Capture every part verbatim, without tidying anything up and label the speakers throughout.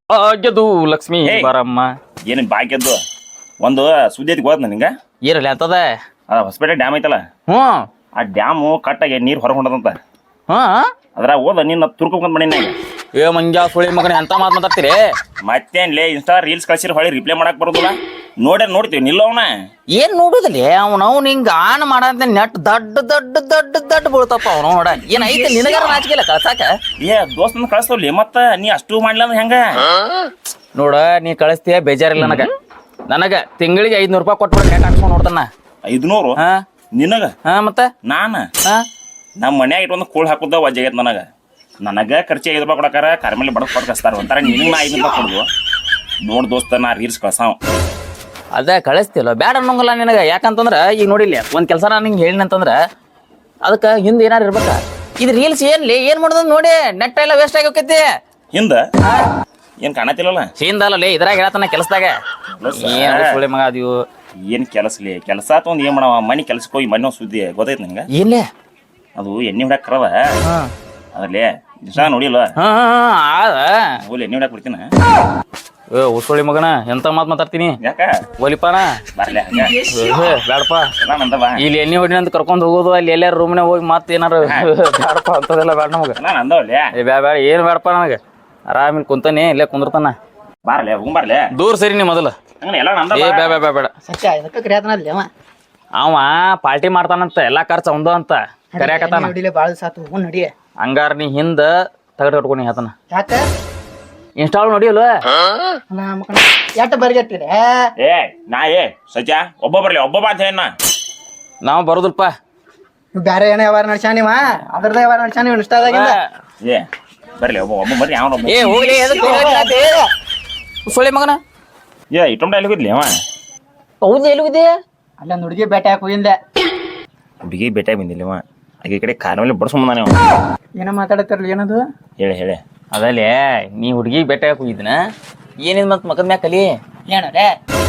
Speaker 1: ಭಾಗ್ಯದು ಲಕ್ಷ್ಮೀ ಬಾರಮ್ಮ.
Speaker 2: ಏನು ಭಾಗ್ಯದ್ದು ಒಂದು ಸುದ್ದಿ ಐತಿ ಗೊತ್ತ ನಿಂಗ?
Speaker 1: ಇರಲಿ ಅಂತದ
Speaker 2: ಅದ ಹೊಸಪೇಟೆ ಡ್ಯಾಮ್ ಐತಲ್ಲ,
Speaker 1: ಹ್ಞೂ
Speaker 2: ಆ ಡ್ಯಾಮು ಕಟ್ಟಾಗಿ ನೀರು ಹೊರಗೆ ಹೊಂಟದಂತ.
Speaker 1: ಹಾ
Speaker 2: ಅದ್ರ ಹೋದ ನಿನ್ನ ತುರ್ಕೊಂಡ್ ಬಂದ
Speaker 1: ಏ ಮಂಜಾ ಸುಳಿ ಮಗನ ಎಂತ ಮಾತು ಮಾತಾಡ್ತೀರಿ?
Speaker 2: ಮತ್ತೇನ್ಲೇ ಇನ್ಸ್ಟಾ ರೀಲ್ಸ್ ಕಳ್ಸಿರ ಹೊಳಿ ರಿಪ್ಲೈ ಮಾಡಕ್ ಬರೋದಿಲ್ಲ. ನೋಡ್ಯಾರ ನೋಡ್ತೀವಿ ನಿಲ್ಲವನ
Speaker 1: ಏನ್ ನೋಡುದಿಲ್ಲ ಅವ್ನ ಅವ್ನ ಹಿಂಗ ಆನ್ ಮಾಡಂತ ನೆಟ್ ದಡ್ಡ ದಡ್ಡ ದಡ್ಡ ದಡ್ಡ ಬೀಳ್ತಪ್ಪ ಅವ್ನು ನೋಡ. ಏನ್ ಐತೆ ನಿನಗಾರ ನಾಚಿಕೆಲ್ಲ ಕಳ್ಸಾಕ?
Speaker 2: ಏ ದೋಸ್ತನ ಕಳಿಸ್ತವ್ಲಿ ಮತ್ತ ನೀ ಅಷ್ಟು ಮಾಡ್ಲಿಲ್ಲ ಅಂದ್ರೆ ಹೆಂಗ?
Speaker 1: ನೋಡ ನೀ ಕಳಿಸ್ತೀಯ ಬೇಜಾರಿಲ್ಲ ನನಗ. ನನಗ ತಿಂಗಳಿಗೆ ಐದ್ನೂರು ರೂಪಾಯಿ ಕೊಟ್ಬಿಡ ನೆಟ್ ಹಾಕ್ಸ್ಕೊಂಡ್ ನೋಡ್ತಾನ.
Speaker 2: ಐದ್ನೂರು
Speaker 1: ಹಾ
Speaker 2: ನಿನಗ?
Speaker 1: ಹಾ ಮತ್ತ
Speaker 2: ನಾನ
Speaker 1: ಹಾ
Speaker 2: ನಮ್ಮ ಮನ್ಯಾಗ ಇಟ್ಟೊಂದು ಕೂಳ್ ಹಾಕುದ ವಜ್ಜಾಗೈತ್ ನನಗ. ನನಗ ಖರ್ಚು ಐದು ರೂಪಾಯಿ ಕೊಡಕಾರ ಕರ್ಮೇಲೆ ಬಡಕ್ ಕೊಟ್ಟು ಕಸ್ತಾರ ಒಂಥರ ನಿನಗೆ ನಾ ಐದು ರೂಪಾಯಿ ಕೊಡುದು. ನೋಡ್ ದೋಸ್ತ ನಾ ರೀಲ್ಸ್ ಕಳ್ಸಾವ
Speaker 1: ಅದ ಕಳಿಸ್ತಿಲ್ಲ ಬ್ಯಾಡ ಅನ್ನೋಂಗಲ್ಲ ನಿನಗ. ಯಾಕಂತಂದ್ರ ಈಗ ನೋಡಿಲ್ಲ ಒಂದ್ ಕೆಲಸ ನಾನು ಹಿಂಗೆ ಹೇಳಿನ ಅಂತಂದ್ರ ಅದಕ್ಕೆ ಹಿಂದೆ ಏನಾರು ಇರ್ಬೇಕ. ಇದು ರೀಲ್ಸ್ ಏನ್ಲಿ ಏನ್ ಮಾಡೋದು ನೋಡಿ ನೆಟ್ ಎಲ್ಲ ವೇಸ್ಟ್ ಆಗಿ ಹೋಗೈತಿ.
Speaker 2: ಹಿಂದ ಏನ್ ಕಾಣತಿಲ್ಲಲ್ಲ?
Speaker 1: ಹಿಂದಲ್ಲೇ ಇದ್ರಾಗ ಹೇಳತನ ಕೆಲಸದಾಗ ಏನ್ ಸುಳಿ ಮಗ ಅದೀವು.
Speaker 2: ಏನ್ ಕೆಲಸಲಿ ಕೆಲಸ ಆತ ಒಂದ್ ಏನ್ ಮಾಡವ ಮನಿ ಕೆಲ್ಸಕ್ಕೆ ಹೋಗಿ ಮನೆ ಸುದ್ದಿ ಗೊತ್ತೈತಿ ನಿಂಗ?
Speaker 1: ಏನ್ಲೇ
Speaker 2: ಅದು ಎಣ್ಣೆ ಹೊಡ್ಯಾಕ ಕರವ ಅದ್ರಲ್ಲೇ ಇಷ್ಟ ನೋಡಿಲ್ವ?
Speaker 1: ಹಾ ಆದ
Speaker 2: ಹೋಲಿ ಎಣ್ಣೆ ಹೊಡ್ಯಾಕ ಬಿಡ್ತೀನ.
Speaker 1: ಏ ಉಸುಳಿ ಮಗನ ಎಂತ ಮಾತ್ ಮಾತಾಡ್ತೀನಿ
Speaker 2: ಯಾಕ
Speaker 1: ಒಲಿಪಾನ
Speaker 2: ಬರ್ಲೆ
Speaker 1: ಬ್ಯಾಡಪ್ಪ.
Speaker 2: ನಂದ ಬಾ
Speaker 1: ಇಲ್ಲಿ ಎಣ್ಣೆ ಹೊಡಿನ ಅಂತ ಕರ್ಕೊಂಡ್ ಹೋಗೋದು ಅಲ್ಲಿ ಎಲ್ಲಾರ ರೂಮ್ನಾಗ ಹೋಗಿ ಮತ್ತೆ ಏನಾರು ಬ್ಯಾಡಪ್ಪ ಅಂತದೆಲ್ಲ ಬ್ಯಾಡ ನಮಗ.
Speaker 2: ನಾನು ಅಂದವಲ್ಲೆ
Speaker 1: ಏ ಬ್ಯಾ ಬ್ಯಾಡ ಏನ್ ಬ್ಯಾಡಪ್ಪ ನನಗೆ. ಆರಾಮಿಲ್ ಕುಂತಾನೆ ಇಲ್ಲೇ ಕುಂದಿರ್ತಾನ.
Speaker 2: ಬಾರ್ಲೆ ಹೋಗ್ ಬರ್ಲೆ
Speaker 1: ದೂರ ಸರಿ ನೀ ಮೊದಲು.
Speaker 2: ಎಲ್ಲ ನಂದ
Speaker 1: ಏ ಬ್ಯಾ ಬ್ಯಾ ಬ್ಯಾ ಬೇಡ.
Speaker 3: ಸತ್ಯ ಇದಕ್ಕೆ ಕರಿಯಾತನಲ್ಲಿ ಅವ
Speaker 1: ಅವ ಪಾರ್ಟಿ ಮಾಡ್ತಾನಂತ ಎಲ್ಲಾ ಖರ್ಚು ಅವಂದ ಅಂತ ಕರ್ಯಾಕತ್ತಾನ.
Speaker 3: ನೋಡಿಲೆ ಬಾಳ ಸಾತು ಹೋಗ್ ನಡಿ.
Speaker 1: ಹಂಗಾರ ನೀ ಹಿಂದ ತಗಡ್ ಕಟ್ಕೊಂಡು ಹೇಳ್ತಾನ.
Speaker 3: ಯಾಕ
Speaker 1: ಇನ್ಸ್ಟಾಲ್ ನೋಡಿಯಲ್ವ?
Speaker 3: ಎಟ್ಟ ಬರ್ಗೆಟ್ಟಿದೆ
Speaker 2: ಏ ನಾ ಏ ಸತ್ಯ ಒಬ್ಬ ಬರ್ಲಿ ಒಬ್ಬ ಬಾ ಅಂತ ಹೇಳ.
Speaker 1: ನಾವು ಬರೋದಿಲ್ಪ.
Speaker 3: ಬ್ಯಾರೆ ಏನೋ ವ್ಯವಹಾರ ನಡ್ಸ್ಯಾನ ನೀವ ಅದ್ರದ ವ್ಯವಹಾರ ನಡ್ಸ್ಯಾನ ನೀವು ಇನ್ಸ್ಟಾದಾಗಿಂದ.
Speaker 2: ಏ ಬರ್ಲಿ ಒಬ್ಬ ಒಬ್ಬ ಬರ್ರಿ ಅವನ
Speaker 1: ಏ ಹೋಗ್ಲಿ ಸುಳಿ ಮಗನ.
Speaker 2: ಏ ಇಟ್ಟೊಂಡ ಎಲ್ಲಿ ಹೋಗಿದ್ಲಿ ಅವ?
Speaker 1: ಹೌದು ಎಲ್ಲಿದೆ?
Speaker 3: ಅಲ್ಲ ಹುಡುಗಿ ಬೇಟೆ ಹಾಕಿ ಹೋಗಿಂದೆ.
Speaker 2: ಹುಡುಗಿ ಬೇಟೆ ಬಂದಿಲ್ಲ ಅವ. ಈ ಕಡೆ ಕಾರ್ ಮೇಲೆ ಬಡ್ಸ್ಕೊಂಬಂದಾನೆ ಅವ.
Speaker 3: ಏನೋ ಮಾತಾಡತ್ತಿರ್ಲಿ ಏನದು
Speaker 2: ಹೇಳಿ ಹೇಳಿ.
Speaker 1: ಅದಲ್ಲೇ ನೀ ಹುಡುಗಿ ಬೆಟ್ಟ ಹೋಗಿದ್ನ ಏನಿದ್ ಮತ್ ಮಗದ ಮ್ಯಾಗ ಕಲಿ
Speaker 3: ಏನೋರೆ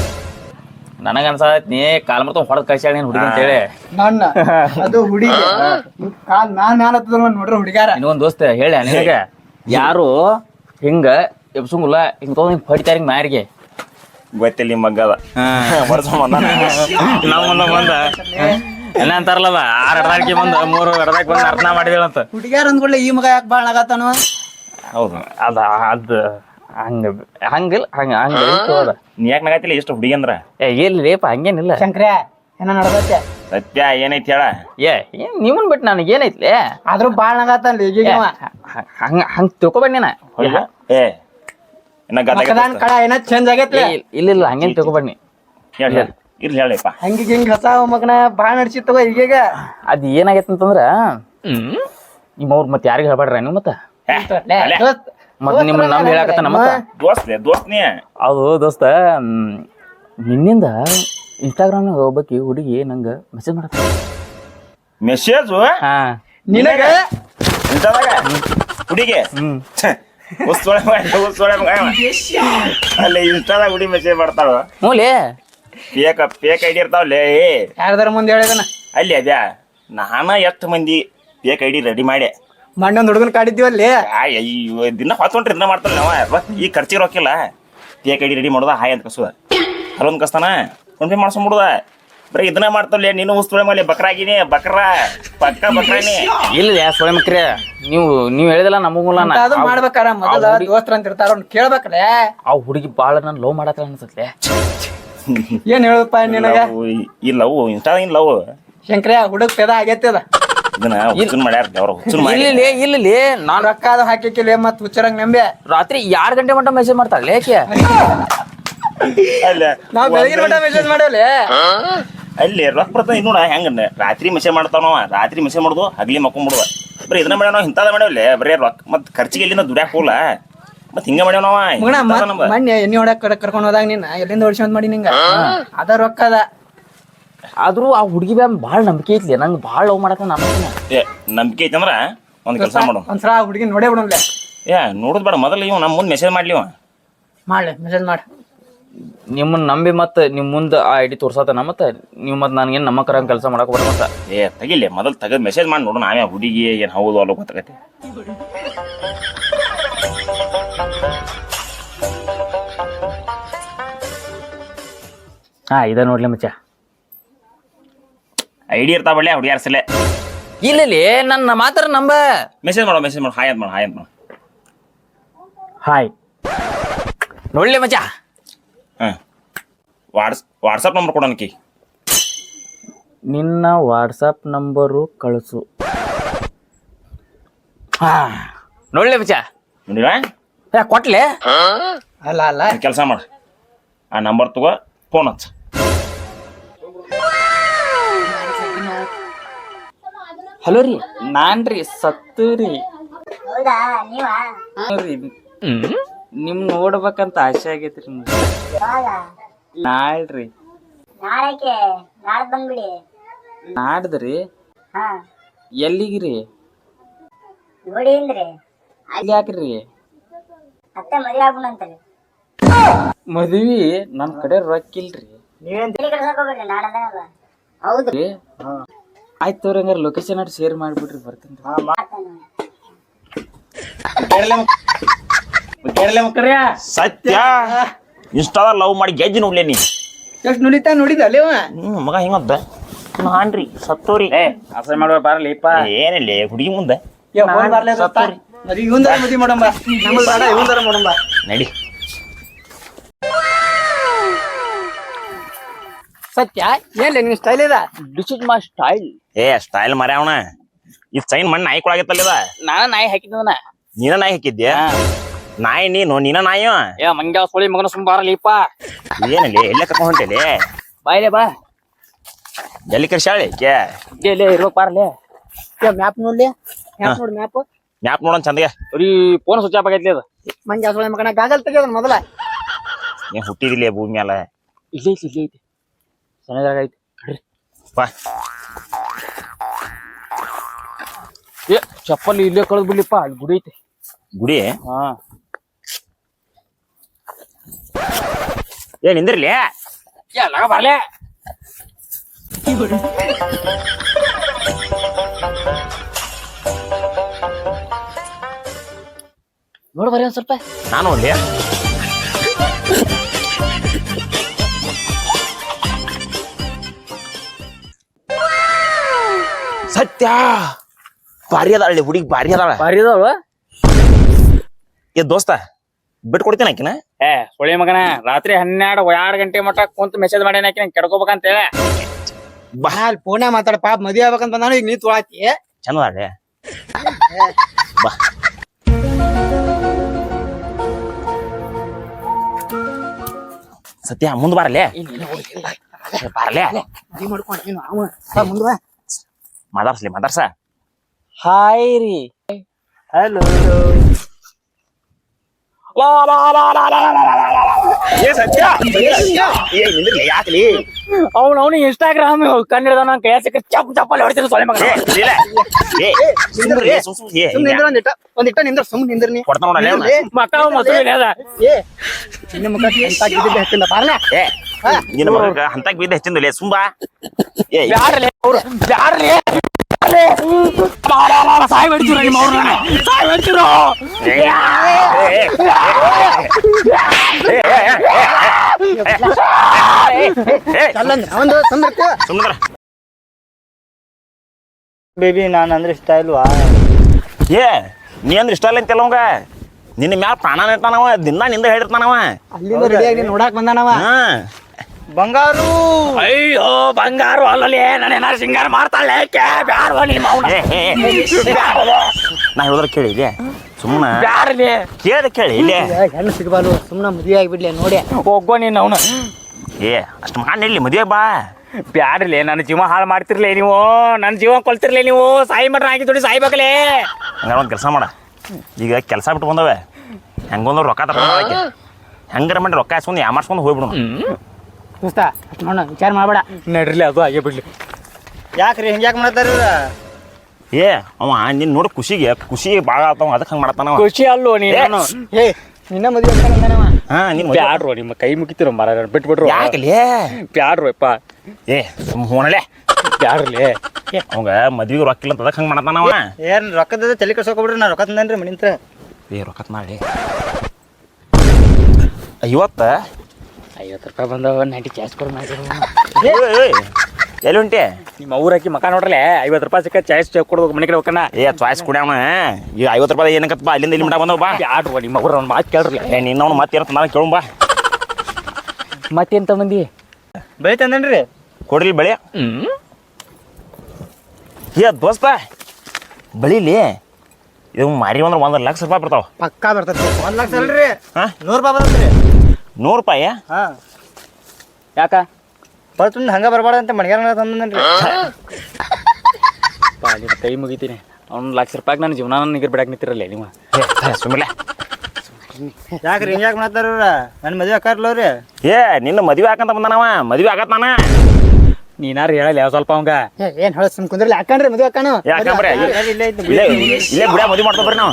Speaker 1: ನನಗ ಅನ್ಸತ್ ನೀ ಕಾಲ್ ಮರ್ತ ಹೊಡೆದ್ ಕಳ್ಸ್ಯಾಳ ನೀನ್ ಹುಡುಗಿ ಅಂತ ಹೇಳಿ.
Speaker 3: ನನ್ನ ಅದು ಹುಡುಗಿ ಕಾಲ್ ನಾನ್ ಮ್ಯಾಲ ನೋಡ್ರಿ ಹುಡುಗಾರ.
Speaker 1: ಇನ್ನೊಂದ್ ದೋಸ್ತ ಹೇಳ ನಿನಗ ಯಾರು ಹಿಂಗ ಎಬ್ಸಂಗಿಲ್ಲ ಹಿಂಗ ತಗೊಂಡ್ ಹಿಂಗ್ ಪಡಿತಾರ ಹಿಂಗ್ ಮಾರಿಗೆ
Speaker 2: ಗೊತ್ತಿಲ್ಲ ನಿಮ್ಮ ಮಗ್ಗದ ಬಡ್ಸ್ಕೊಂಬಂದ
Speaker 1: ನಾವ್ ಮುಂದ ಬಂದ ಎಲ್ಲ ಅಂತಾರಲ್ಲದ ಆರ್ ಎಡದಾಕಿ ಬಂದ ಮೂರು ಎಡದಾಕಿ ಬಂದ ಅರ್ಥ ಮಾಡಿದೇಳಂತ.
Speaker 3: ಹುಡುಗಾರ ಅಂದ್ಕೊಳ್ಳಿ ಈ ಮಗ ಯಾಕೆ ಬಾಳ್ ಆಗತ್ತಾನು?
Speaker 1: ಹೌದು ಅದ ಅದ್ ಹಂಗ ಹಂಗಿಲ್ಲ ಹಂಗ ಹಂಗ
Speaker 2: ನೀ ಯಾಕೆ ನಗತಿಲ್ಲ ಎಷ್ಟು ಹುಡುಗಿ ಅಂದ್ರ?
Speaker 1: ಏ ಇಲ್ರಿಪ್ಪ ಹಂಗೇನಿಲ್ಲ.
Speaker 3: ಶಂಕ್ರ್ಯಾ ಏನ ನಡ್ದೈತೆ?
Speaker 2: ಸತ್ಯ ಏನೈತಿ ಹೇಳ?
Speaker 1: ಏ ನಿಮ್ಮನ್ ಬಿಟ್ಟು ನನಗೆ ಏನೈತ್ಲೆ
Speaker 3: ಆದ್ರೂ ಬಾಳ್ ನಗತ್ತಾನ ಈಗ
Speaker 1: ಹಂಗ ಹಂಗ ತಿಳ್ಕೊಬೇಡ ನೀನ.
Speaker 2: ಏ ಇನ್ನ
Speaker 3: ಮಕದಾನ್ ಕಳ ಏನ ಚೇಂಜ್ ಆಗೈತಿ.
Speaker 1: ಇಲ್ಲ ಇಲ್ಲ ಹಂಗೇನ್ ತಿಳ್ಕೊಬೇಡ ನೀ.
Speaker 2: ಹೇಳಿ ಇರ್ಲಿ ಹೇಳಿಪ್ಪ.
Speaker 3: ಹಂಗಿಗ್ ಹಿಂಗ್ ಹೊಸ ಮಗನ ಬಾಳ್ ನಡ್ಸಿತ್ತವ ಈಗೀಗ.
Speaker 1: ಅದ್ ಏನಾಗೈತಿ ಅಂತಂದ್ರ ನಿಮ್ಮ ಅವ್ರ ಮತ್ತೆ ಯಾರಿಗ ಹೇಳ್ಬೇಡ್ರ ನೀವು ಮತ್ತ ಮತ್ ನಿಮ್ ನಮ್ ಹೇಳಕತ್ತಾನ ಮತ್ತ
Speaker 2: ದೋಸ್ತ್ ದೋಸ್ತ್ ನೀ.
Speaker 1: ಅದು ದೋಸ್ತ ನಿನ್ನಿಂದ ಇನ್ಸ್ಟಾಗ್ರಾಮ್ನಾಗ ಒಬ್ಬಾಕಿ ಹುಡುಗಿ ನಂಗ ಮೆಸೇಜ್ ಮಾಡತ್ತ.
Speaker 2: ಮೆಸೇಜು
Speaker 1: ಹಾ
Speaker 3: ನಿನಗ
Speaker 2: ಇಂಥದಾಗ ಹುಡುಗಿ
Speaker 1: ಹ್ಮ್
Speaker 2: ಉಸ್ತೋಳೆ ಉಸ್ತೋಳೆ ಅಲ್ಲಿ ಇನ್ಸ್ಟಾದಾಗ ಹುಡುಗಿ ಮೆಸೇಜ್ ಮಾಡ್ತಾಳ.
Speaker 1: ಹ್ಞೂಲೇ
Speaker 2: ಫೇಕ್ ಫೇಕ್ ಐಡಿ ಇರ್ತಾವಲ್ಲೇ.
Speaker 3: ಯಾರ್ದಾರ ಮುಂದೆ ಹೇಳಿದನ
Speaker 2: ಅಲ್ಲಿ ಅದ್ಯಾ ನಾನ ಎಷ್ಟು ಮಂದಿ ಫೇಕ್ ಐಡಿ ರೆಡಿ ಮಾಡಿ
Speaker 3: ಮಣ್ಣೊಂದ್ ಹುಡುಗನ್ ಕಾಡಿದ್ವಲ್ಲಿ.
Speaker 2: ಅಯ್ಯೋ ದಿನ ಹೊತ್ಕೊಂಡ್ರೆ ಇದನ್ನ ಮಾಡ್ತಾನೆ ನಾವ. ಈ ಖರ್ಚಿಗೆ ರೊಕ್ಕಿಲ್ಲ ಫೇಕ್ ಐಡಿ ರೆಡಿ ಮಾಡೋದ ಹಾಯ್ ಅಂತ ಕಸುವ ಅಲ್ಲೊಂದು ಕಸ್ತಾನ ಫೋನ್ ಪೇ ಮಾಡ್ಸ್ಕೊಂಡ್ಬಿಡುದ. ಬರೀ ಇದನ್ನ ಮಾಡ್ತಾವಲ್ಲ ನೀನು ಉಸ್ತೋಳೆ ಮೇಲೆ ಬಕ್ರಾಗಿನಿ ಬಕ್ರ ಪಕ್ಕ ಬಕ್ರಾನಿ.
Speaker 1: ಇಲ್ಲ ಸೊಳೆ ಮಕ್ರಿ ನೀವು ನೀವ್ ಹೇಳಿದಲ್ಲ ನಮಗುಲ್ಲ
Speaker 3: ಅದು ಮಾಡ್ಬೇಕಾರ ಮೊದಲ ದೋಸ್ತ್ರ ಅಂತ ಇರ್ತಾರ ಅವ್ನ ಕೇಳ್ಬೇಕ್ರೆ.
Speaker 1: ಆ ಹುಡುಗಿ ಬಾಳ ನನ್ ಲವ್ ಮಾಡತ್ತ ಅನ್ಸತ್ಲೆ.
Speaker 3: ಏನ್ ಹೇಳಪ್ಪ ನಿನಗ?
Speaker 2: ಈ ಲವ್ ಇನ್ಸ್ಟಾದಾಗ ಇನ್ ಲವ್
Speaker 3: ಶಂಕ್ರ್ಯಾ ಹುಡುಗ ಪೆದ ಆಗೈತಿ ಅದ.
Speaker 2: ಇದನ್ನ ಹುಚ್ಚನ್ ಮಾಡ್ಯಾರ ಅವ್ರ ಹುಚ್ಚನ್ ಮಾಡಿ.
Speaker 1: ಇಲ್ಲಿ ಇಲ್ಲಿ
Speaker 3: ನಾನ್ ರೊಕ್ಕ ಅದು ಹಾಕಿಕ್ಕಿಲ್ಲ ಮತ್ ಹುಚ್ಚರಂಗ್ ನಂಬೆ.
Speaker 1: ರಾತ್ರಿ ಯಾರ್ ಗಂಟೆ ಮಟ್ಟ ಮೆಸೇಜ್ ಮಾಡ್ತಾಳೆ ಏಕೆ?
Speaker 2: ಅಲ್ಲ
Speaker 3: ನಾವ್ ಬೆಳಗಿನ ಮಟ್ಟ ಮೆಸೇಜ್ ಮಾಡೇವ್ಲಿ.
Speaker 2: ಅಲ್ಲಿ ರೊಕ್ಕ ಬರ್ತಾನ ನೋಡ ಹೆಂಗ ರಾತ್ರಿ ಮೆಸೇಜ್ ಮಾಡ್ತಾವ ರಾತ್ರಿ ಮೆಸೇಜ್ ಮಾಡುದು ಹಗ್ಲಿ ಮಕ್ಕೊಂಡ್ಬಿಡುವ. ಬರೀ ಇದನ್ನ ಮಾಡ್ಯಾವ ನಾವು ಇಂಥದ ಮಾಡ್ಯಾವಲ್ಲ ಬರೀ ರೊಕ್ಕ ಮತ್ ಖರ್ಚಿಗೆ ಎಲ್ಲಿಂದ ದುಡ್ಯಾಕ ಹೋಗ್ಲ ಮತ್ ಹಿಂಗ ಮಾಡ್ಯಾವ ನಾವ.
Speaker 3: ಮೊನ್ನೆ ಎಣ್ಣೆ ಹೊಡಕ್ ಕರ್ಕೊಂಡ್ ಹೋದಾಗ ನಿನ್ನ ಎಲ್ಲಿಂದ ಹೊಡ್ಸ್ಕೊಂಡ್ ಮಾಡಿ ನಿಂಗ ಅದ ರೊಕ್ಕ ಅದ.
Speaker 1: ಆದ್ರೂ ಆ ಹುಡುಗಿ ಬ್ಯಾಮ್ ಬಾಳ ನಂಬಿಕೆ ಐತ್ಲಿ ನಂಗೆ ಬಾಳ ಲವ್ ಮಾಡಕ ನಂಬಿಕೆ.
Speaker 2: ಏ ನಂಬಿಕೆ ಐತಿ ಅಂದ್ರ ಒಂದ್ ಕೆಲಸ ಮಾಡು
Speaker 3: ಒಂದ್ಸಲ ಆ ಹುಡುಗಿ ನೋಡೇ ಬಿಡೋನ್ಲೆ.
Speaker 2: ಏ ನೋಡುದ್ ಬೇಡ ಮೊದಲು ಇವ್ ನಮ್ ಮುಂದ್ ಮೆಸೇಜ್ ಮಾಡ್ಲಿವ
Speaker 3: ಮಾಡ್ಲಿ ಮೆಸೇಜ್ ಮಾಡ.
Speaker 1: ನಿಮ್ಮನ್ನ ನಂಬಿ ಮತ್ತ ನಿಮ್ ಮುಂದ ಆ ಐಡಿ ತೋರ್ಸತಾನ ಮತ್ತ ನೀವ್ ಮತ್ ನನ್ಗೇನ್ ನಮ್ಮ ಕರಂಗ್ ಕೆಲಸ ಮಾಡಕ್ ಬರ ಮತ್ತ.
Speaker 2: ಏ ತಗಿಲಿ ಮೊದಲ್ ತಗದ್ ಮೆಸೇಜ್ ಮಾಡಿ ನೋಡು ನಾವೇ ಹುಡುಗಿ ಏನ್ ಹೌದು ಅಲ್ಲೋ ಗೊತ್ತಾಗತ್ತೆ.
Speaker 1: ಹಾ ಇದ ನೋಡ್ಲಿ ಮಚ್ಚ.
Speaker 2: ಐಡಿ ಇರ್ತಾವ ಬಳ್ಳಿ ಹುಡುಗಿಯಾರ ಸಲೆ.
Speaker 1: ಇಲ್ಲಿ ನನ್ನ ಮಾತ್ರ ನಂಬ.
Speaker 2: ಮೆಸೇಜ್ ಮಾಡೋ ಮೆಸೇಜ್ ಮಾಡೋ ಹಾಯ್ ಅಂತ ಮಾಡೋ ಹಾಯ್ ಅಂತ ಮಾಡೋ.
Speaker 1: ಹಾಯ್ ನೋಡ್ಲಿ ಮಚ್ಚ.
Speaker 2: ಹಾಂ ವಾಟ್ಸ್ ವಾಟ್ಸಪ್ ನಂಬರ್ ಕೊಡೋಣಕಿ.
Speaker 1: ನಿನ್ನ ವಾಟ್ಸಪ್ ನಂಬರು ಕಳಿಸು. ಹಾ ನೋಡ್ಲಿ ಮಚ್ಚ.
Speaker 2: ನೋಡಿರ
Speaker 1: ಯಾ ಕೊಟ್ಲೆ.
Speaker 3: ಅಲ್ಲ ಅಲ್ಲ
Speaker 2: ಕೆಲಸ ಮಾಡ, ಆ ನಂಬರ್ ತಗೋ ಫೋನ್ ಹಚ್ಚ.
Speaker 1: ಹಲೋ ರೀ ನಾನ್ರಿ ಸತ್ತು ರೀ.
Speaker 4: ಹೌದಾ ನೀವಾ?
Speaker 1: ನಿಮ್ ನೋಡ್ಬೇಕಂತ ಆಸೆ ಆಗೈತ್ರಿ.
Speaker 4: ಯಾವಾಗ?
Speaker 1: ನಾಳ್ರಿ.
Speaker 4: ನಾಳೆಗೆ ನಾಳೆ ಬಂದ್ಬಿಡಿ.
Speaker 1: ನಾಡ್ದ್ರಿ
Speaker 4: ಹಾ
Speaker 1: ಎಲ್ಲಿಗ್ರಿ?
Speaker 4: ನೋಡಿ ಅಂದ್ರಿ
Speaker 1: ಅಲ್ಲಿ ಯಾಕ್ರಿ?
Speaker 4: ಅತ್ತೆ ಮದುವೆ ಆಗ್ಬಿಡಂತಲ್ಲಿ.
Speaker 1: ಮದ್ವಿ ನನ್ ಕಡೆ ರೊಕ್ಕಿಲ್ರಿ.
Speaker 3: ನೀವೇನ್
Speaker 4: ತಲೆ ಕೆಡ್ಸಕ್ ಹೋಗ್ಬೇಡ್ರಿ ನಾಡದಲ್ಲ. ಹೌದು
Speaker 1: ಆಯ್ತು ತೋರಿ ಹಂಗಾರ ಲೊಕೇಶನ್ ಅಟ್ ಶೇರ್ ಮಾಡ್ಬಿಡ್ರಿ ಬರ್ತೀನಿ.
Speaker 2: ಸತ್ಯ ಇನ್ಸ್ಟಾದ ಲವ್ ಮಾಡಿ ಗೆಜ್ಜಿ ನೋಡ್ಲೇ ನೀ.
Speaker 3: ಎಷ್ಟು ನುಡಿತಾ ನೋಡಿದ ಅಲ್ಲೇವ?
Speaker 2: ಹ್ಮ್ ಮಗ ಹಿಂಗದ್ದ ನಾನ್ರಿ ಸತ್ತೋರಿ.
Speaker 1: ಏ ಅಸಹ್ಯ ಮಾಡುವ ಬಾರಲಿಪ್ಪ.
Speaker 2: ಏನಿಲ್ಲ ಹುಡುಗಿ ಮುಂದೆ
Speaker 3: ಫೋನ್ ಬರ್ಲೇ ಮದ್ವಿ ಇವಂದರ ಮದ್ವಿ ಮಾಡಂಬ. ನಮ್ಮದು ಬೇಡ ಇವಂದರ ಮಾಡಂಬ.
Speaker 2: ನಡಿ.
Speaker 3: ಸತ್ಯ ಏನ್ಲಿ ನಿನ್ ಸ್ಟೈಲ್ ಇದ?
Speaker 1: This is my style.
Speaker 2: ಏ ಸ್ಟೈಲ್ ಮರ್ಯಾವಣ. ಈ ಚೈನ್ ಮಣ್ಣು ನಾಯಿ ಕೊಳಾಗತ್ತಲ್ಲ.
Speaker 1: ನಾನ ನಾಯಿ ಹಾಕಿದ್ದನ.
Speaker 2: ನೀನ ನಾಯಿ ಹಾಕಿದ್ಯಾ? ನಾಯಿ ನೀನು ನೀನ ನಾಯಿ.
Speaker 1: ಏ ಮಂಗ್ಯ ಸೋಳಿ ಮಗನ ಸುಮ್ ಬಾರಲಿಪ್ಪ.
Speaker 2: ಏನಲ್ಲಿ ಎಲ್ಲೇ ಕರ್ಕೊಂಡ್ ಹೊಂಟೇಲಿ?
Speaker 1: ಬಾಯ್ಲೆ ಬಾ.
Speaker 2: ಎಲ್ಲಿ ಕರ್ಸಾಳಿ ಕೇ
Speaker 1: ಇಲ್ಲೇ ಇರ್ಬೇಕು ಬಾರ್ಲೆ.
Speaker 3: ಮ್ಯಾಪ್ ನೋಡ್ಲಿ, ಮ್ಯಾಪ್ ನೋಡಿ ಮ್ಯಾಪ್.
Speaker 2: ಮ್ಯಾಪ್ ನೋಡೋಣ ಚಂದಗೆ.
Speaker 1: ಬರೀ ಫೋನ್ ಸ್ವಿಚ್ ಆಫ್ ಆಗೈತ್ಲಿ ಅದು.
Speaker 3: ಮಂಜ ಸೊಳ್ಳೆ ಮಗನ ಗಾಗಲ್ ತೆಗಿಯೋದು ಮೊದಲ.
Speaker 2: ನೀನ್ ಹುಟ್ಟಿದಿಲ್ಲ ಭೂಮಿ ಮ್ಯಾಲ.
Speaker 1: ಇಲ್ಲೇ ಐತಿ ಇಲ್ಲೇ ಐತಿ ಚೆನ್ನಾಗ ಐತಿ.
Speaker 2: ಬಾ
Speaker 1: ಏ ಚಪ್ಪಲಿ ಇಲ್ಲೇ ಕಳೆದ್ ಬಿಡ್ಲಿಪ್ಪ. ಅಲ್ಲಿ ಗುಡಿ ಐತಿ.
Speaker 2: ಗುಡಿ?
Speaker 1: ಹಾ
Speaker 2: ಏ ನಿಂದಿರ್ಲಿ.
Speaker 1: ಎಲ್ಲ ಬರ್ಲೆ. ನೋಡ್ ಬರ್ರಿ ಒಂದ್ ಸ್ವಲ್ಪ.
Speaker 2: ನಾನು ಅಲ್ಲಿ ಸತ್ಯ ಭಾರಿ ಅದಾಳ ಹುಡುಗಿ, ಭಾರಿ ಅದಾಳ.
Speaker 1: ಬಾರಿ ಇದಾವ.
Speaker 2: ಏ ದೋಸ್ತ ಬಿಟ್ಟು ಕೊಡ್ತೀನಿ ಆಕಿನ.
Speaker 1: ಏ ಸುಳಿ ಮಗನ ರಾತ್ರಿ ಹನ್ನೆರಡು ಎರಡು ಗಂಟೆ ಮಟ್ಟ ಕುಂತ ಮೆಸೇಜ್ ಮಾಡ್ಯಾನ ಆಕಿ ನಂಗೆ ಕೆಡ್ಕೋಬೇಕಂತ ಹೇಳ.
Speaker 2: ಬಾ
Speaker 3: ಅಲ್ಲಿ ಫೋನ್ಯಾಗ ಮಾತಾಡ ಪಾಪ ಮದ್ವೆ ಆಗ್ಬೇಕಂತ ಬಂದಾನು. ಈಗ ನೀ ತೊಳಾತಿ
Speaker 2: ಚಂದ ಅದಾಳೆ. ಬಾ ಸತ್ಯ ಮುಂದ್ ಬಾರಲೆ. ಬಾರಲೆ
Speaker 3: ಮದ್ವಿ ಮಾಡ್ಕೊಂಡು ನೀನು ಅವ ಮುಂದೆ
Speaker 2: ಮಾತಾಡ್ಸ್ಲಿ ಮಾತಾಡ್ಸ.
Speaker 1: ಹಾಯ್ ರೀ. ಹಲೋ.
Speaker 2: ಏ ಸತ್ಯ ಏ ನಿಂದಿರ್ಲಿ ಯಾಕಲಿ?
Speaker 1: ಅವ್ನು ಅವ್ನು ಇನ್ಸ್ಟಾಗ್ರಾಮ್ ಕನ್ನಡದ ನಾನು ಕೈ ಸಿಕ್ಕ ಚಪ್ ಚಪ್ಪಲ್ಲಿ ಹೊಡಿತೀನಿ ಸೊಳ್ಳೆ ಮಗ.
Speaker 2: ಏ ಇಲ್ಲ ಏ ಸುಮ್ನಿರ್ಲಿ, ಸುಮ್ ಸುಮ್ ಏ
Speaker 3: ಸುಮ್ಮನೆ ನಿಂದ್ರ ಒಂದಿಟ್ಟ ಒಂದಿಟ್ಟ ನಿಂದ್ರ ಸುಮ್ಮನೆ ನಿಂದ್ರ ನೀ
Speaker 2: ಕೊಡ್ತಾನ ನೋಡಲ್ಲ ಅವ್ನ.
Speaker 1: ಮಕ್ಕ ಮೊಸರು ಅದ.
Speaker 3: ಏ ನಿನ್ನ ಮುಖ ಅಂತ ಗಿದ್ದಿದ್ದೆ ಹತ್ತಿಂದ ಬಾರ್ಲ.
Speaker 2: ಏ ನಿನ್ನ ಮಗ ಹಂತಾಗ ಬಿದ್ದ ಹೆಚ್ಚಿಂದಲೇ ಸುಂಬಾ. ಏ
Speaker 1: ಬ್ಯಾಡ್ರಿ ಅವ್ರು ಬ್ಯಾಡ್ರಿ. ಸಾಯ್ ಹೊಡಿತೀರ ನಿಮ್ಮ ಅವ್ರನ್ನ ಸಾಯ್ ಹೊಡಿತೀರೋ.
Speaker 3: ಅಲ್ಲಂದ್ರೆ ಒಂದು ಸಂದರ್ಭ
Speaker 2: ಸುಮ್ಮನೆ
Speaker 3: ಬೇಬಿ ನಾನು ಅಂದ್ರೆ ಇಷ್ಟ ಇಲ್ವಾ?
Speaker 2: ಏ ನೀ ಅಂದ್ರೆ ಇಷ್ಟ ಇಲ್ಲ ಅಂತೆಲ್ಲ ಅವಂಗ. ನಿನ್ನ ಮ್ಯಾಲ ಪ್ರಾಣ ಇರ್ತಾನವ, ದಿನ ನಿಂದ ಹೇಳಿರ್ತಾನವ.
Speaker 3: ಅಲ್ಲಿಂದ ರೆಡಿಯಾಗಿ ನೋಡಾಕ್ ಬಂದಾನವ.
Speaker 2: ಹಾ
Speaker 3: ಬಂಗಾರು.
Speaker 1: ಅಯ್ಯೋ ಬಂಗಾರು ಅಲ್ಲಲ್ಲಿ ನಾನು ಏನಾರು ಸಿಂಗಾರ ಮಾಡ್ತಾಳೆ. ಬ್ಯಾಡ್ವ ನಿಮ್ಮ ಅವ್ನ.
Speaker 2: ನಾ ಹೇಳಿದ್ರ ಕೇಳಿ ಇಲ್ಲೇ ಸುಮ್ಮನ
Speaker 1: ಬ್ಯಾಡ್ಲಿ
Speaker 2: ಕೇಳ್ದೆ ಕೇಳಿ ಇಲ್ಲೇ.
Speaker 3: ಹೆಣ್ಣು ಸಿಗಬಾಲು ಸುಮ್ಮನೆ ಮದುವೆ ಆಗಿಬಿಡ್ಲಿ ನೋಡಿ.
Speaker 1: ಹೋಗೋ ನೀನು ಅವನು.
Speaker 2: ಏ ಅಷ್ಟು ಮಾಡಿ ಇಲ್ಲಿ ಮದುವೆ ಬಾ.
Speaker 1: ಬ್ಯಾಡ್ಲಿ ನನ್ನ ಜೀವ ಹಾಳು ಮಾಡ್ತಿರ್ಲಿ ನೀವು. ನನ್ನ ಜೀವ ಕೊಲ್ತಿರ್ಲಿ ನೀವು. ಸಾಯಿ ಮಟ್ರ ಹಾಕಿ ದುಡಿ ಸಾಯ್ಬೇಕಲೇ.
Speaker 2: ಹಂಗಾರ ಒಂದು ಕೆಲಸ ಮಾಡ. ಈಗ ಕೆಲಸ ಬಿಟ್ಟು ಬಂದವೆ ಹೆಂಗೊಂದು ರೊಕ್ಕ ತಗೊಂಡು ಹೆಂಗಾರ ಮಾಡಿ ರೊಕ್ಕ ಹಾಸ್ಕೊಂಡು ಯಾಮಾರ್ಸ್ಕೊಂಡು ಹೋಗ್ಬಿಡು.
Speaker 3: ದೋಸ್ತ ಅಷ್ಟು ಮಾಡೋಣ ವಿಚಾರ ಮಾಡಬೇಡ.
Speaker 1: ನಡ್ರಿಲಿ ಅದು ಹಾಗೆ ಬಿಡ್ಲಿ.
Speaker 3: ಯಾಕ್ರಿ ಹಿಂಗೆ ಯಾಕೆ ಮಾಡ್ತಾರ?
Speaker 2: ಏ ಅವ ನಿನ್ ನೋಡಿ ಖುಷಿಗೆ ಖುಷಿ ಭಾಳ ಆತವ, ಅದಕ್ಕೆ ಹಂಗೆ ಮಾಡ್ತಾನವ.
Speaker 1: ಖುಷಿ ಅಲ್ಲೋ ನೀನು.
Speaker 3: ಏ ನಿನ್ನ ಮದುವೆ ಆಗ್ತಾನಂದನವ.
Speaker 2: ಹಾ ನಿನ್
Speaker 1: ಬ್ಯಾಡ್ರೋ ನಿಮ್ಮ ಕೈ ಮುಗಿತಿರೋ ಮರ ಬಿಟ್ಬಿಟ್ರು.
Speaker 2: ಯಾಕಲೇ
Speaker 1: ಬ್ಯಾಡ್ರೋ ಯಪ್ಪ.
Speaker 2: ಏ ಸುಮ್ ಹೋಣಲೆ
Speaker 1: ಬ್ಯಾಡ್ರಲಿ.
Speaker 2: ಅವಂಗ ಮದ್ವಿಗೆ ರೊಕ್ಕ ಇಲ್ಲ ಅಂತ ಅದಕ್ಕೆ ಹಂಗೆ ಮಾಡ್ತಾನವ.
Speaker 3: ಏನ್ ರೊಕ್ಕದ ತಲೆ ಕಳ್ಸೋಕೊಬಿಡ್ರಿ. ನಾ ರೊಕ್ಕ ತಂದೇನ್ರಿ ಮನಿಂತ್ರ.
Speaker 2: ಏ ರೊಕ್ಕ ಮಾಡಿ ಐವತ್ತ
Speaker 1: ಐವತ್ತು ರೂಪಾಯಿ ಬಂದವ ನೈಂಟಿ ಕ್ಯಾಶ್ ಕೊಡು ಮಾಡಿ
Speaker 2: ಎಲ್ಲಿ ಉಂಟೆ
Speaker 1: ನಿಮ್ಮ ಊರಾಕಿ ಮಕ ನೋಡ್ರಲೆ ಐವತ್ತು ರೂಪಾಯಿ ಸಿಕ್ಕ ಚಾಯ್ಸ್ ಕೊಡೋದು ಮನೆ ಕಡೆ ಹೋಗೋಣ
Speaker 2: ಏ ಚಾಯ್ಸ್ ಕುಡಿಯವ ಈ ಐವತ್ತು ರೂಪಾಯಿ ಏನಕ್ಕಪ್ಪ ಅಲ್ಲಿಂದ ಇಲ್ಲಿ ಮಟ ಬಂದವ ಬಾ
Speaker 1: ಆಡ್ರುವ ನಿಮ್ಮ ಊರ ಒಂದು ಮಾತು ಕೇಳ್ರಲ್ಲ
Speaker 2: ಏ ನಿನ್ನವನು ಮತ್ತೆ ಏನಂತ ನಾನು ಕೇಳು ಬಾ
Speaker 1: ಮತ್ತೆಂತ ಮಂದಿ
Speaker 3: ಬೆಳಿ ತಂದೇನ್ರಿ
Speaker 2: ಕೊಡ್ರಿ ಬೆಳೆ
Speaker 1: ಹ್ಞೂ
Speaker 2: ಏ ದೋಸ್ತ ಬೆಳಿಲಿ ಇದು ಮಾರಿ ಅಂದ್ರೆ ಒಂದು ಲಕ್ಷ ರೂಪಾಯಿ ಬರ್ತಾವ
Speaker 3: ಪಕ್ಕಾ ಬರ್ತೈತಿ ಒಂದ್ ಲಕ್ಷ ಅಲ್ರಿ
Speaker 2: ಹಾಂ
Speaker 3: ನೂರ್ ರೂಪಾಯಿ ಬರ್ತೈತ್ರಿ
Speaker 2: ನೂರು ರೂಪಾಯಿ
Speaker 3: ಹಾ
Speaker 1: ಯಾಕ
Speaker 3: ಬರ್ತು ಹಂಗ ಬರ್ಬಾರ್ದಂತ ಮಣ್ಗ್ಯಾರ ತಂದನ್ರಿ
Speaker 1: ಪಾಲಿ ಕೈ ಮುಗಿತೀನಿ ಅವ್ನು ಲಕ್ಷ ರೂಪಾಯಿ ನನ್ನ ಜೀವನ ನಿಗರ್ ಬಿಡಕ್ಕೆ ನಿಂತಿರಲ್ಲ ನೀವು
Speaker 2: ಸುಮ್ಮನೆ
Speaker 3: ಯಾಕ್ರಿ ಹಿಂಗ್ ಯಾಕೆ ಮಾಡ್ತಾರ ನನ್ನ ಮದ್ವೆ ಅಕ್ಕಾರ್ಲವ್ರಿ
Speaker 2: ಏ ನಿನ್ನ ಮದುವೆ ಹಾಕಂತ ಬಂದಾನವ ಮದುವೆ ಆಗತ್ ನಾನ
Speaker 1: ನೀನಾರು ಹೇಳಲ್ಲ ಯಾವ ಸ್ವಲ್ಪ ಅವಂಗ
Speaker 3: ಏನ್ ಹೇಳ ಸುಮ್ ಕುಂದ್ರಲ್ಲ ಯಾಕಂದ್ರಿ ಮದ್ವೆ ಅಕ್ಕಾನು
Speaker 2: ಯಾಕಂದ್ರೆ
Speaker 3: ಇಲ್ಲೇ ಐತಿ
Speaker 2: ಇಲ್ಲೇ ಇಲ್ಲೇ ಬಿಡ ಮದುವೆ ಮಾಡ್ತಾ ಬರ್ರಿ ನಾವು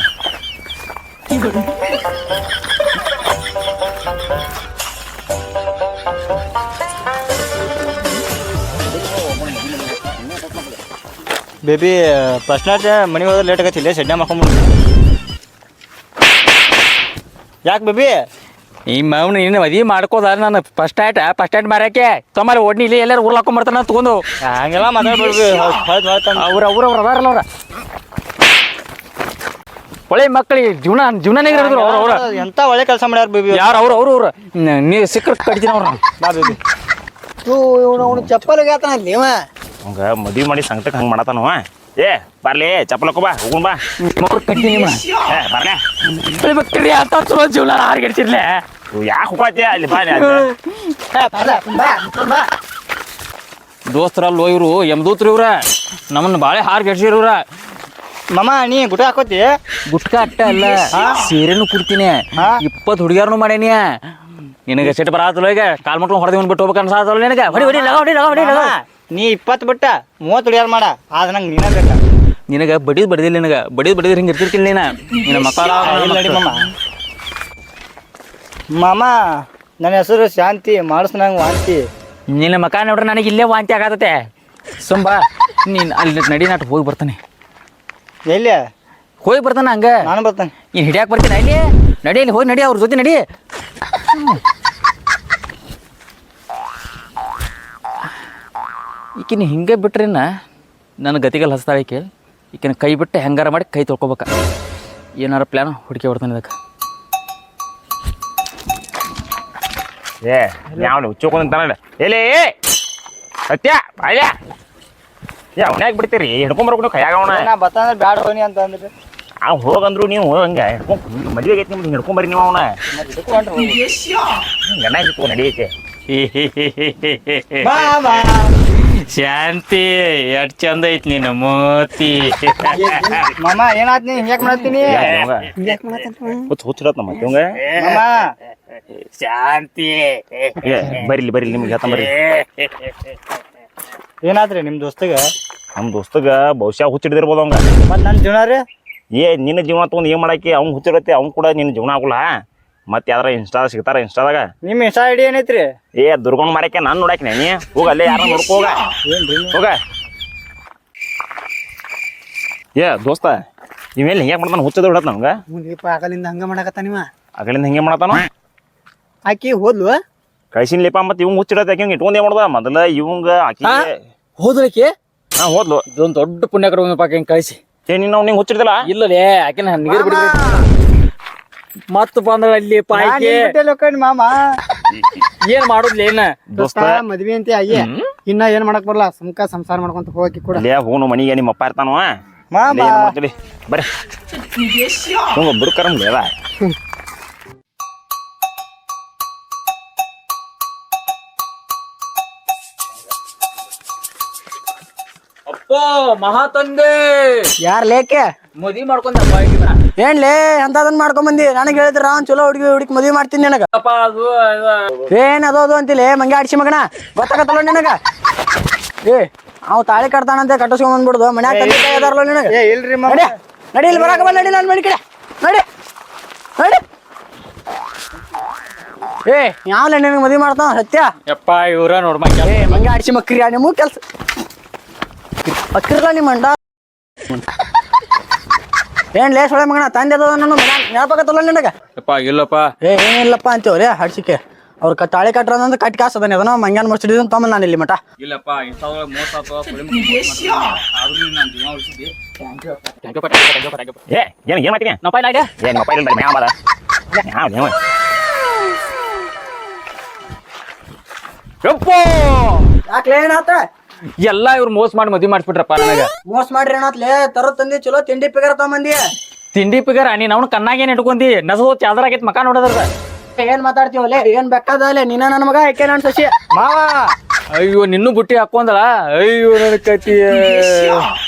Speaker 3: ಬೇಬಿ ಫಸ್ಟ್ ನೈಟ್ ಮನೆಗೆ ಹೋದ್ರೆ ಲೇಟ್ ಆಗತ್ತಿಲ್ಲ ಸೆಡ್ನ ಮಾಡ್ಕೊಂಬಿಡು ಯಾಕೆ ಬೇಬಿ
Speaker 1: ಈ ಮೌನ ನೀನು ಮದುವೆ ಮಾಡ್ಕೋದ ನಾನು ಫಸ್ಟ್ ಆಯ್ಟ ಫಸ್ಟ್ ಆಯ್ಟ್ ಮಾರಕ್ಕೆ ತೊಂಬಲ್ಲಿ ಓಡ್ನಿ ಇಲ್ಲಿ ಎಲ್ಲರೂ ಊರ್ಲಾಕೊಂಡ್ ಬರ್ತಾನ ತಗೊಂಡು
Speaker 3: ಹಂಗೆಲ್ಲ ಮಾತಾಡ್ಬಿಡ್ವಿ ಹೌದು ಹೌದು
Speaker 1: ಅವ್ರ ಅವ್ರ ಅವ್ರ ಅದಾರಲ್ಲ ಅವ್ರ ಒಳ್ಳೆ ಮಕ್ಕಳಿಗೆ ಜೀವನ ಜೀವನನೇ ಇರೋದ್ರು ಅವ್ರ ಅವ್ರ
Speaker 3: ಎಂತ ಒಳ್ಳೆ ಕೆಲಸ ಮಾಡ್ಯಾರ ಬೇಬಿ
Speaker 1: ಯಾರು ಅವ್ರು ಅವ್ರು ಅವ್ರು ನೀವು ಸಿಕ್ಕರ್ ಕಡಿತೀನಿ ಅವ್ರ
Speaker 3: ಬಾ ಬೇಬಿ ಅವನು ಚಪ್ಪಲ್ ಹೇಳ್ತಾನ ಅಲ್ಲಿ ಇವ
Speaker 2: ಹಂಗ ಮದುವೆ ಮಾಡಿ ಸಂಕಟಕ್ಕೆ ಹಂಗೆ ಮಾಡತಾನವ ಏ ಬರ್ಲಿ ಚಪ್ಪಲ್ ಹಾಕೋ ಬಾ ಹೋಗುಣ ಬಾ
Speaker 1: ಅವ್ರು ಕಟ್ತೀನಿ
Speaker 2: ಏ ಬರ್ಲೆ
Speaker 1: ಮಕ್ಕಳಿ ಅಂತ ಚಲೋ ಜೀವನ ಹಾರ್ಗೆಡ್ಸಿರ್ಲೆ
Speaker 2: ಯಾಕೆ ಹೋಗತ್ತೆ ಅಲ್ಲಿ ಬಾ
Speaker 1: ದೋಸ್ತರಲ್ಲೋ ಇವರು ಎಮ್ದೂತ್ರಿ ಇವ್ರ ನಮ್ಮನ್ನ ಬಾಳೆ ಹಾರ್ಗೆಡ್ಸಿರ್ ಇವ್ರ
Speaker 3: ಮಮ್ಮ ನೀ ಗುಟ ಹಾಕೋತಿ
Speaker 1: ಗುಟ್ಕ ಅಟ್ಟ ಅಲ್ಲ ಸೀರೆನು ಕುಡ್ತೀನಿ ಇಪ್ಪತ್ತು ಹುಡುಗಿಯಾರನು ಮಾಡೇನಿ ನಿನಗೆ ಸಿಟ್ಟು ಬರತ್ತಲ್ಲ ಈಗ ಕಾಲ್ ಮಟ್ಕೊಂಡು ಹೊಡೆದು ಬಿಟ್ಟು ಹೋಗ್ಬೇಕು ಅನ್ಸಾತಲ್ಲ ನಿನಗೆ ಹೊಡಿ ಹೊಡಿ ಲಗ ಹೊಡಿ ಲಗ ಹೊಡಿ ಲಗ
Speaker 3: ನೀ ಇಪ್ಪತ್ತು ಬಿಟ್ಟ ಮೂವತ್ತು ಹುಡುಗಿಯಾರ ಮಾಡ ಆದ ನಂಗೆ ನೀನ ಬೇಕ
Speaker 1: ನಿನಗೆ ಬಡಿದ್ ಬಡಿದಿಲ್ಲ ನಿನಗೆ ಬಡಿದ್ ಬಡಿದ್ರೆ ಹಿಂಗೆ ಇರ್ತಿರ್ತಿಲ್ಲ ನೀನ ನಿನ್ನ ಮಕ್ಕಳ
Speaker 3: ನಡಿ ಮಮ್ಮ ಮಾಮ ನನ್ನ ಹೆಸರು ಶಾಂತಿ ಮಾಡಿಸ್ ನಂಗೆ ವಾಂತಿ
Speaker 1: ನಿನ್ನ ಮಕ್ಕ ನೋಡ್ರೆ ನನಗೆ ಇಲ್ಲೇ ವಾಂತಿ ಆಗತ್ತೆ ಸುಂಬಾ ನೀನು ಅಲ್ಲಿ ನಡಿ ನಾಟ್ ಹೋಗಿ ಬರ್ತಾನೆ
Speaker 3: ಎಲ್ಲಿ
Speaker 1: ಹೋಗಿ ಬರ್ತಾನ ಹಂಗ
Speaker 3: ನಾನು ಬರ್ತಾನೆ
Speaker 1: ನೀನು ಹಿಡಿಯಾಕೆ ಬರ್ತೀನಿ ಅಲ್ಲಿ ನಡಿ ಅಲ್ಲಿ ಹೋಗಿ ನಡಿ ಅವ್ರ ಜೊತೆ ನಡಿ ಈಕಿನ ಹಿಂಗೆ ಬಿಟ್ರಿನ ನನ್ನ ಗತಿಗಲ್ಲಿ ಹಸ್ತಾಳೆ ಈಕೆ ಈಕಿನ ಕೈ ಬಿಟ್ಟು ಹೆಂಗಾರ ಮಾಡಿ ಕೈ ತೊಳ್ಕೊಬೇಕ ಏನಾರ ಪ್ಲ್ಯಾನ್ ಹುಡುಕಿ ಬರ್ತಾನೆ ಇದಕ್ಕೆ
Speaker 2: ಏ ಯಾವ ಹುಚ್ಚೋಕೊಂತಾನ ಎಲ್ಲಿ ಸತ್ಯ ಬಾಯ ಏ ಅವನ್ಯಾಗ ಬಿಡ್ತೀರಿ ಹಿಡ್ಕೊಂಬರ್ಬೇಕು ಕೈಯಾಗ ಅವನ
Speaker 3: ನಾ ಬತ್ತಂದ್ರೆ ಬ್ಯಾಡ ಹೋಗಿ ಅಂತ ಅಂದ್ರೆ
Speaker 2: ಆ ಹೋಗಂದ್ರು ನೀವು ಹಂಗೆ ಹಿಡ್ಕೊಂಡು ಮದುವೆ ಆಗೈತಿ ನಿಮ್ದು ಹಿಡ್ಕೊಂಬರ್ರಿ ನೀವು ಅವನ ಗಣ ಹಿಡ್ಕೊ ನಡಿಯೈತೆ
Speaker 1: ಶಾಂತಿ ಎಷ್ಟ್ ಚಂದ ಐತಿ ನೀನು ಮೋತಿ
Speaker 3: ಮಾಮ ಏನಾತ್ ನೀ ಹಿಂಗ್ಯಾಕ್ ಮಾಡತ್ತೀನಿ
Speaker 2: ಹುಚ್ಚ ಹುಚ್ಚಿರತ್ ನಮ್ಮ ಇವಂಗ
Speaker 3: ಮಾಮ
Speaker 1: ಶಾಂತಿ
Speaker 2: ಏ ಬರಿಲಿ ಬರಿಲಿ ನಿಮ್ಗೆ ಹೇಳ್ತಾನ ಬರ್ರಿ
Speaker 3: ಏನಾದ್ರಿ ನಿಮ್ ದೋಸ್ತಗ
Speaker 2: ನಮ್ಮ ದೋಸ್ತಗ ಬಹುಶಃ ಹುಚ್ಚಿಡ್ದಿರ್ಬೋದು ಅವಂಗ
Speaker 3: ಮತ್ ನನ್ ಜೀವನ ರೀ
Speaker 2: ಏ ನಿನ್ನ ಜೀವನ ತೊಗೊಂಡು ಏನು ಮಾಡಾಕಿ ಅವ್ನು ಹುಚ್ಚಿರತ್ತೆ ಅವ್ನು ಕೂಡ ನಿನ್ನ ಜೀವನ ಆಗುಲ್ಲ ಮತ್ತೆ ಯಾವ್ದಾರ ಇನ್ಸ್ಟಾ ಸಿಗ್ತಾರ ಇನ್ಸ್ಟಾದಾಗ
Speaker 3: ನಿಮ್ ಇನ್ಸ್ಟಾ ಐಡಿ ಏನೈತ್ರಿ
Speaker 2: ಏ ದುರ್ಗೊಂಡ್ ಮಾರಕ್ಕೆ ನಾನು ನೋಡಾಕಿ ನೀ ಹೋಗ ಅಲ್ಲೇ ಯಾರ ನೋಡ್ಕೋ ಹೋಗ
Speaker 3: ಏನ್ರಿ
Speaker 2: ಹೋಗ ಏ ದೋಸ್ತ ಇವೇಲಿ ಹಿಂಗೆ ಮಾಡ್ತಾನ ಹುಚ್ಚದ ಹೊಡತ್ ನಮ್ಗೆ
Speaker 3: ಮುಂದೀಪ ಆಗಲಿಂದ ಹಂಗ ಮಾಡಕತ್ತ ನೀವ
Speaker 2: ಅಗಳಿಂದ ಹಿಂಗೆ ಮಾಡತಾನ
Speaker 3: ಆಕಿ ಹೋದ್ಲು
Speaker 2: ಕಳ್ಸಿನ ಲೇಪ ಮತ್ತೆ ಇವಂಗ ಹುಚ್ಚಿಡತ್ತೆ ಆಕಿ ಹಿಂಗೆ ಇಟ್ಕೊಂಡೇ ಮಾಡ್ದ ಮೊದಲ ಇವಂಗ ಆಕಿ
Speaker 1: ಹೋದ್ರಕ್ಕೆ
Speaker 2: ಹಾ ಹೋದ್ಲು
Speaker 1: ಇದೊಂದು ದೊಡ್ಡ ಪುಣ್ಯಕರ ಪಾಕ ಹಿಂಗೆ ಕಳಿಸಿ
Speaker 2: ಏ ನೀನು ಅವ್ನಿಗೆ ಹುಚ್ಚಿಡ್ದಿಲ್ಲ
Speaker 1: ಇಲ್ಲಲೇ ಆಕಿನ ನೀರು ಬಿಡ್ಬೇಕು ಮತ್ತ ಬಂದ್ರ ಅಲ್ಲಿ ಪಾಯ್ಕೆ
Speaker 3: ಮಾಮ
Speaker 1: ಏನ್ ಮಾಡುದ್ಲಿ ಏನ
Speaker 3: ದೋಸ್ತ ಮದ್ವಿ ಅಂತ ಅಯ್ಯ ಇನ್ನ ಏನ್ ಮಾಡಕ್ ಬರಲ್ಲ ಸುಮ್ಕ ಸಂಸಾರ ಮಾಡ್ಕೊಂತ ಹೋಗಿ ಕೂಡ
Speaker 2: ಅಲ್ಲೇ ಹೋನು ಮನಿಗೆ ನಿಮ್ಮ ಅಪ್ಪ ಇರ್ತಾನವ
Speaker 3: ಮಾಮ
Speaker 2: ಬರ್ರಿ ಹಂಗ ಬುಡ್ಕರಂಗ್ ಅದ
Speaker 1: ಅಪ್ಪ ಮಹಾತಂದೆ
Speaker 3: ಯಾರ್ ಲೇಕೆ
Speaker 1: ಮದ್ವಿ ಮಾಡ್ಕೊಂಡಪ್ಪ ಈಗಿನ
Speaker 3: ಏನ್ಲೇ ಅಂತದನ್ ಮಾಡ್ಕೊಂಡ್ ಬಂದಿ ನನಗ್ ಹೇಳಿದ್ರ ಅವ್ನ್ ಚಲೋ ಹುಡುಗಿ ಹುಡುಗಿ ಮದ್ವಿ ಮಾಡ್ತೀನಿ ನನಗ
Speaker 1: ಅಪ್ಪ ಅದು
Speaker 3: ಏನ್ ಅದು ಅದು ಅಂತಿಲ್ಲ ಮಂಗೆ ಆಡ್ಸಿ ಮಗನ ಗೊತ್ತಾಗತ್ತಲ್ಲ ನಿನಗ ಏ ಅವ್ ತಾಳಿ ಕಟ್ತಾನಂತೆ ಕಟ್ಟಿಸ್ಕೊಂಡ್ ಬಂದ್ಬಿಡುದು ಮನ್ಯಾಗ ತಂದೆ ತಾಯಿ ಅದಾರಲ್ಲ ನಿನಗ ಇಲ್ರಿ ನಡಿ ನಡಿ ಇಲ್ಲಿ ಬರಾಕ ಬಲ್ಲ ನಡಿ ನಾನು ಮನೆ ಕಡೆ ನಡಿ ನಡಿ ಏ ಯಾವಲ್ಲ ನಿನಗೆ ಮದ್ವಿ ಮಾಡ್ತಾವ ಸತ್ಯ
Speaker 1: ಯಪ್ಪ ಇವ್ರ ನೋಡ್ಮ
Speaker 3: ಏ ಮಂಗೆ ಆಡ್ಸಿ ಮಕ್ರಿ ನಿಮ್ಮ ಕೆಲ್ಸ ಮಕ್ರಿಲ್ಲ ನಿಮ್ಮ ಅಂಡ ಏನ್ ಲೇ ಸೊಳೆ ಮಗನ ತಂದೆ ಅದ ನಾನು ನೆನಪಾಗತ್ತಲ್ಲ ನಿನಗ
Speaker 1: ಯಪ್ಪ ಇಲ್ಲಪ್ಪ
Speaker 3: ಏ ಏನಿಲ್ಲಪ್ಪ ಅಂತೇವ್ರಿ ಹಡ್ಸಿಕೆ ಅವ್ರ ಕ ತಾಳಿ ಕಟ್ರ ಅಂದ್ರೆ ಕಟ್ಟಿ ಕಾಸು ಅದಾನೆ ಅದನ್ನ ಮಂಗ್ಯಾನ್ ಮುಚ್ಚಿಡಿದ್ ತಮ್ಮ ನಾನು ಇಲ್ಲಿ ಮಟ
Speaker 5: ಇಲ್ಲಪ್ಪ ಇಂಥವ್ ಮೋಸ ಅಥವಾ ಆದ್ರೂ ನಾನು ಜೀವ ಉಳಿಸಿದ್ದೆ.
Speaker 2: ಏ ಏನ್ ಏನ್ ಮಾಡ್ತೀನಿ
Speaker 1: ನಾವು ಪೈಲ ಐಡಿಯಾ
Speaker 2: ಏನ್ ಮೊಬೈಲ್ ಇಲ್ಲ ಮ್ಯಾವ ಮಾಡ ಯಾವ ಯಾವ
Speaker 1: ಯಪ್ಪ
Speaker 3: ಯಾಕ್ಲೆ ಏನಾತ
Speaker 1: ಎಲ್ಲಾ ಇವ್ರು ಮೋಸ ಮಾಡಿ ಮದ್ವಿ ಮಾಡಿಸ್ಬಿಟ್ರಪ್ಪ ನನಗ.
Speaker 3: ಮೋಸ ಮಾಡ್ರಿ ಏನಾತ್ಲೆ ತರೋ ತಂದಿ ಚಲೋ ತಿಂಡಿ ಪಿಗರ್ ತಗೊಂಬಂದಿ
Speaker 1: ತಿಂಡಿ ಪಿಗರ ನೀನ್ ಅವ್ನ ಕಣ್ಣಾಗೇನ್ ಇಟ್ಕೊಂಡಿ ನಸು ಚಾದರ ಆಗೈತ್ ಮಕ ನೋಡದ್ರ
Speaker 3: ಏನ್ ಮಾತಾಡ್ತೀವಲ್ಲೇ ಏನ್ ಬೆಕ್ಕದಲ್ಲೇ ನೀನ ನನ್ನ ಮಗ ಯಾಕೆ ನನ್ ಸಸಿ
Speaker 1: ಮಾವ ಅಯ್ಯೋ ನಿನ್ನೂ ಬುಟ್ಟಿ ಹಾಕೊಂದಳ ಅಯ್ಯೋ ನನ್ನ ಕತಿ